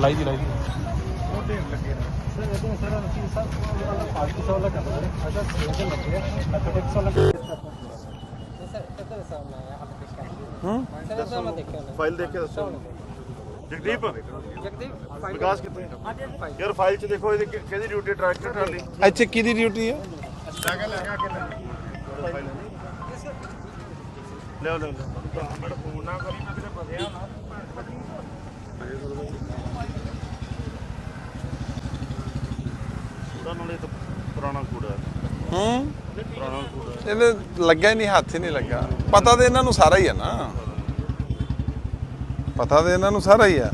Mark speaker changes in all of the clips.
Speaker 1: लाई दी
Speaker 2: file देख के दसो जगदीप विकास कितने यार फाइल च देखो ਇਹਦੀ ਕਿਹਦੀ ਡਿਊਟੀ ਟਰੈਕਟਰ ਟਰਾਲੀ
Speaker 1: ਇੱਥੇ ਕਿਹਦੀ ਡਿਊਟੀ ਹੈ
Speaker 2: ਲੈ ਲੈ ਫੋਨ ਨਾ ਕਰੀ ਮੈਂ ਕਿਤੇ ਫਸਿਆ ਨਾ ਉਹਦਾ ਨਾਲੇ ਤਾਂ ਪੁਰਾਣਾ ਕੂੜਾ ਪੁਰਾਣਾ ਕੂੜਾ
Speaker 1: ਇਹਦੇ ਲੱਗਿਆ ਹੀ ਨਹੀਂ ਹੱਥ ਹੀ ਨਹੀਂ ਲੱਗਾ ਪਤਾ ਤੇ ਇਹਨਾਂ ਨੂੰ ਸਾਰਾ ਹੀ ਹੈ ਨਾ ਪਤਾ ਤੇ ਇਹਨਾਂ ਨੂੰ ਸਾਰਾ ਹੀ ਆ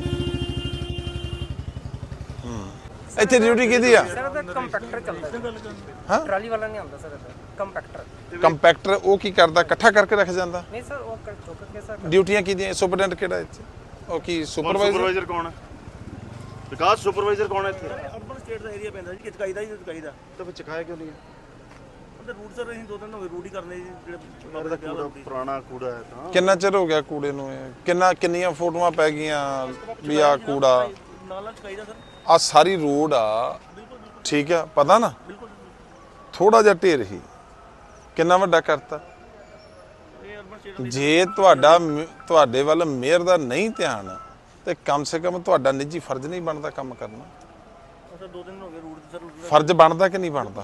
Speaker 1: ਇੱਥੇ ਡਿਊਟੀ ਕਿਹਦੀ ਆ
Speaker 3: ਸਰ ਇਹਦਾ ਕੰਪੈਕਟਰ ਚੱਲਦਾ
Speaker 1: ਹਾਂ
Speaker 3: ਟਰਾਲੀ ਵਾਲਾ ਨਹੀਂ ਆਉਂਦਾ ਸਰ ਇਹਦਾ ਕੰਪੈਕਟਰ
Speaker 1: ਕੰਪੈਕਟਰ ਉਹ ਕੀ ਕਰਦਾ ਇਕੱਠਾ ਕਰਕੇ ਰੱਖ ਜਾਂਦਾ
Speaker 3: ਨਹੀਂ ਸਰ ਉਹ ਚੁੱਕ ਕੇ ਸਰ
Speaker 1: ਡਿਊਟੀਆਂ ਕਿਹਦੀਆਂ ਸੁਪਰਡੈਂਟ ਕਿਹੜਾ ਇੱਥੇ ਉਹ ਕੀ
Speaker 2: ਸੁਪਰਵਾਈਜ਼ਰ ਕੌਣ ਹੈ ਵਿਕਾਸ ਸੁਪਰਵਾਈਜ਼ਰ ਕੌਣ ਹੈ ਇੱਥੇ
Speaker 4: ਅਰਬਨ ਸਟੇਟ ਦਾ ਏਰੀਆ ਪੈਂਦਾ ਜੀ ਚਕਾਈ ਦਾ
Speaker 2: ਤਾਂ ਫਿਰ ਚਕਾਇਆ ਕਿਉਂ ਨਹੀਂ ਹੈ
Speaker 4: ਉਹਦੇ ਰੂਟ ਸਰ ਅਸੀਂ 2 ਦਿਨ ਹੋ ਗਏ ਰੂਟ ਹੀ ਕਰਨੇ ਜੀ
Speaker 2: ਇਹਦਾ ਕੂੜਾ ਪੁਰਾਣਾ ਕੂੜਾ ਹੈ ਤਾਂ
Speaker 1: ਕਿੰਨਾ ਚਿਰ ਹੋ ਗਿਆ ਕੂੜੇ ਨੂੰ ਇਹ ਕਿੰਨੀਆਂ ਫੋਟੋਆਂ ਪੈ ਗਈਆਂ ਵੀ ਆ ਕੂੜਾ
Speaker 4: ਨਾਲ ਚਕਾਈ ਦਾ ਸਰ
Speaker 1: ਆ ਸਾਰੀ ਰੋਡ ਆ ਠੀਕ ਆ ਪਤਾ ਨਾ ਥੋੜਾ ਜਿਹਾ ਢੇਰ ਹੀ ਕਿੰਨਾ ਵੱਡਾ ਕਰਤਾ
Speaker 4: ਇਹ ਅਰਬਨ ਸਟੇਟ
Speaker 1: ਜੇ ਤੁਹਾਡੇ ਵੱਲ ਮੇਅਰ ਦਾ ਨਹੀਂ ਧਿਆਨ ਤੇ ਕਮ ਸੇ ਕਮ ਤੁਹਾਡਾ ਨਿੱਜੀ ਫਰਜ਼ ਨਹੀਂ ਬਣਦਾ ਕੰਮ ਕਰਨਾ
Speaker 4: ਸਰ 2 ਦਿਨ ਹੋ ਗਏ ਰੂਟ ਸਰ
Speaker 1: ਫਰਜ਼ ਬਣਦਾ ਕਿ ਨਹੀਂ ਬਣਦਾ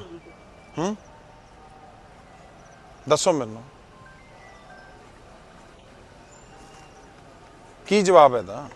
Speaker 1: ਦੱਸੋ ਮੈਨੂੰ ਕੀ ਜਵਾਬ ਹੈ ਦਾ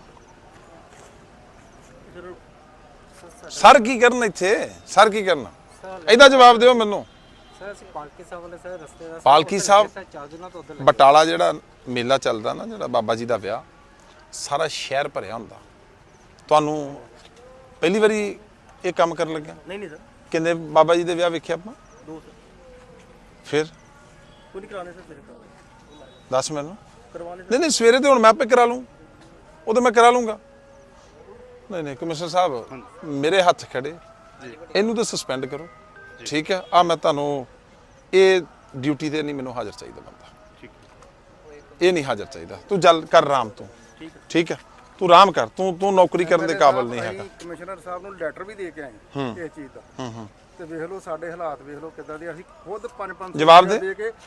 Speaker 1: ਸਰ ਕੀ ਕਰਨ ਇੱਥੇ ਸਰ ਕੀ ਕਰਨਾ ਇਹਦਾ ਜਵਾਬ ਦਿਓ ਮੈਨੂੰ
Speaker 3: ਸਰ ਅਸੀਂ ਪਾਲਕੀ ਸਾਹਿਬ ਵਾਲੇ ਸਰ ਰਸਤੇ ਦਾ
Speaker 1: ਪਾਲਕੀ ਸਾਹਿਬ
Speaker 3: ਚਾਰ ਦਿਨਾਂ ਤੋਂ ਉਧਰ
Speaker 1: ਬਟਾਲਾ ਜਿਹੜਾ ਮੇਲਾ ਚੱਲਦਾ ਨਾ ਜਿਹੜਾ ਬਾਬਾ ਜੀ ਦਾ ਵਿਆਹ ਸਾਰਾ ਸ਼ਹਿਰ ਭਰਿਆ ਹੁੰਦਾ ਤੁਹਾਨੂੰ ਪਹਿਲੀ ਵਾਰੀ ਇਹ ਕੰਮ ਕਰਨ ਲੱਗਿਆ
Speaker 4: ਨਹੀਂ ਸਰ
Speaker 1: ਕਿੰਨੇ ਬਾਬਾ ਜੀ ਦੇ ਵਿਆਹ ਵੇਖਿਆ ਆਪਾਂ
Speaker 4: 2 ਸਰ
Speaker 1: ਫਿਰ
Speaker 4: ਕੋਈ ਨਹੀਂ ਕਰਾਣੇ ਸਰ ਮੇਰੇ
Speaker 1: ਦੱਸ ਮੈਨੂੰ
Speaker 4: ਕਰਵਾਣੇ
Speaker 1: ਨਹੀਂ ਸਵੇਰੇ ਤੇ ਹੁਣ ਮੈਂ ਆਪੇ ਕਰਾ ਲੂੰ ਉਹ ਤਾਂ ਮੈਂ ਕਰਾ ਲੂੰਗਾ ਨਹੀਂ ਕਮਿਸ਼ਨਰ ਸਾਹਿਬ ਮੇਰੇ ਹੱਥ ਖੜੇ ਇਹਨੂੰ ਤਾਂ ਸਸਪੈਂਡ ਕਰੋ ਠੀਕ ਹੈ ਆ ਮੈਂ ਤੁਹਾਨੂੰ ਇਹ ਡਿਊਟੀ ਤੇ ਨਹੀਂ ਮੈਨੂੰ ਹਾਜ਼ਰ ਚਾਹੀਦਾ ਬੰਦਾ ਇਹ ਨਹੀਂ ਹਾਜ਼ਰ ਚਾਹੀਦਾ ਤੂੰ ਜਲ ਕਰ ਆਰਾਮ ਤੂੰ ਠੀਕ ਹੈ ਤੂੰ ਆਰਾਮ ਕਰ ਤੂੰ ਨੌਕਰੀ ਕਰਨ ਦੇ ਕਾਬਿਲ ਨਹੀਂ ਹੈਗਾ
Speaker 5: ਕਮਿਸ਼ਨਰ ਸਾਹਿਬ ਨੂੰ ਲੈਟਰ ਵੀ ਦੇ ਕੇ ਆਏ ਇਸ ਚੀਜ਼ ਦਾ ਤੇ ਵੇਖ ਲਓ ਸਾਡੇ ਹਾਲਾਤ ਵੇਖ ਲਓ ਕਿੱਦਾਂ ਦੇ ਅਸੀਂ ਖੁਦ 5-5
Speaker 1: ਜਵਾਬ ਦੇ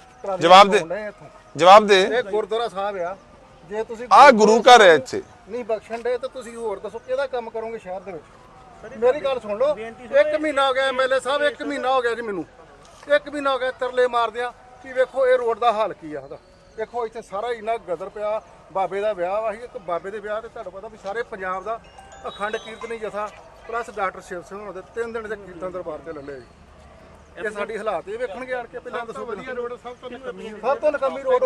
Speaker 1: ਜਵਾਬ ਦੇ
Speaker 5: ਇਹ ਗੁਰਦੁਆਰਾ ਸਾਹਿਬ ਆ ਜੇ ਤੁਸੀਂ
Speaker 1: ਆ ਗੁਰੂ ਘਰ ਹੈ ਇੱਥੇ
Speaker 5: ਨਹੀਂ ਬਖਸ਼ਣ ਦੇ ਤਾਂ ਤੁਸੀਂ ਹੋਰ ਦੱਸੋ ਕਿਹਦਾ ਕੰਮ ਕਰੋਗੇ ਸ਼ਹਿਰ ਦੇ ਵਿੱਚ ਮੇਰੀ ਗੱਲ ਸੁਣ ਲਓ 1 ਮਹੀਨਾ ਹੋ ਗਿਆ ਐਮਐਲਏ ਸਾਹਿਬ 1 ਮਹੀਨਾ ਹੋ ਗਿਆ ਜੀ ਮੈਨੂੰ 1 ਮਹੀਨਾ ਹੋ ਗਿਆ ਤਰਲੇ ਮਾਰਦਿਆਂ ਕਿ ਵੇਖੋ ਇਹ ਰੋਡ ਦਾ ਹਾਲ ਕੀ ਆ ਉਹਦਾ ਦੇਖੋ ਇੱਥੇ ਸਾਰਾ ਇੰਨਾ ਗਦਰ ਪਿਆ ਬਾਬੇ ਦਾ ਵਿਆਹ ਵਾ ਇੱਕ ਬਾਬੇ ਦੇ ਵਿਆਹ ਤੇ ਤੁਹਾਨੂੰ ਪਤਾ ਵੀ ਸਾਰੇ ਪੰਜਾਬ ਦਾ ਅਖੰਡ ਕੀਰਤਨੀ ਜਥਾ ਪਲੱਸ ਡਾਕਟਰ ਸ਼ਿਵ ਸਿੰਘ ਹੋਣਾ ਦੇ 3 ਦਿਨ ਦੇ ਕੀਰਤਨ ਦਰਬਾਰ ਤੇ ਲੱਲੇ ਜੀ ਇਹ ਸਾਡੀ ਹਾਲਾਤ ਇਹ ਵੇਖਣਗੇ ਆਣ ਕੇ ਪਹਿਲਾਂ ਦੱਸੋ ਵਧੀਆ ਰੋਡ ਸਭ ਤੋਂ ਨਕਮੀ ਰੋਡ ਹੋ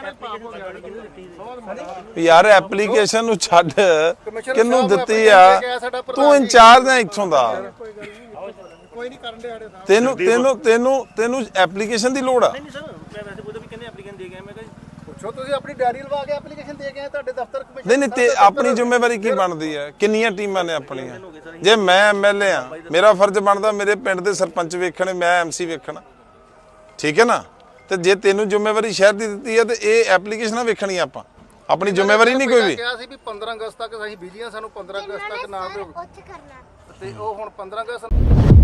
Speaker 5: ਗਈ
Speaker 1: ਯਾਰ ਐਪਲੀਕੇਸ਼ਨ ਨੂੰ ਛੱਡ ਕਿਹਨੂੰ ਦਿੱਤੀ ਆ ਤੂੰ ਇੰਚਾਰਜ ਹੈ ਇੱਥੋਂ ਦਾ
Speaker 5: ਕੋਈ ਨਹੀਂ ਕਰਨ ਦੇ ਆੜੇ
Speaker 1: ਤੈਨੂੰ ਐਪਲੀਕੇਸ਼ਨ ਦੀ ਲੋੜ ਆ
Speaker 4: ਨਹੀਂ ਸਰ ਮੈਂ ਵੈਸੇ ਉਹਦਾ ਵੀ ਕਹਿੰਦੇ ਐਪਲੀਕੇਸ਼ਨ ਦੇ ਗਿਆ ਮੈਂ ਕਿਹਾ
Speaker 5: ਪੁੱਛੋ ਤੁਸੀਂ ਆਪਣੀ ਡਾਇਰੀ ਲਵਾ ਕੇ ਐਪਲੀਕੇਸ਼ਨ ਦੇ ਕੇ ਆਏ ਤੁਹਾਡੇ ਦਫ਼ਤਰ ਕਮਿਸ਼ਨ
Speaker 1: ਨਹੀਂ ਤੇ ਆਪਣੀ ਜ਼ਿੰਮੇਵਾਰੀ ਕੀ ਬਣਦੀ ਹੈ ਕਿੰਨੀਆਂ ਟੀਮਾਂ ਨੇ ਆਪਣੀਆਂ ਜੇ ਮੈਂ ਐਮਐਲਏ ਆ ਮੇਰਾ ਫਰਜ਼ ਬਣਦਾ ਮੇਰੇ ਪਿੰਡ ਦੇ ਸਰਪੰਚ ਵੇਖਣੇ ਮੈਂ ਐਮਸੀ ਵੇਖਣਾ ਠੀਕ ਹੈ ਨਾ ਤੇ ਜੇ ਤੈਨੂੰ ਜ਼ਿੰਮੇਵਾਰੀ ਸ਼ਹਿਰ ਦੀ ਦਿੱਤੀ ਹੈ ਤੇ ਇਹ ਐਪਲੀਕੇਸ਼ਨਾਂ ਵੇਖਣੀਆਂ ਆਪਾਂ ਆਪਣੀ ਜ਼ਿੰਮੇਵਾਰੀ ਨਹੀਂ ਕੋਈ ਵੀ
Speaker 5: ਕਿਹਾ ਸੀ ਵੀ 15 ਅਗਸਤ ਤੱਕ ਅਸੀਂ ਬਿਜੀਆਂ ਸਾਨੂੰ 15 ਅਗਸਤ ਤੱਕ ਨਾ ਦਿਓ ਤੇ ਉਹ ਹੁਣ 15 ਅਗਸਤ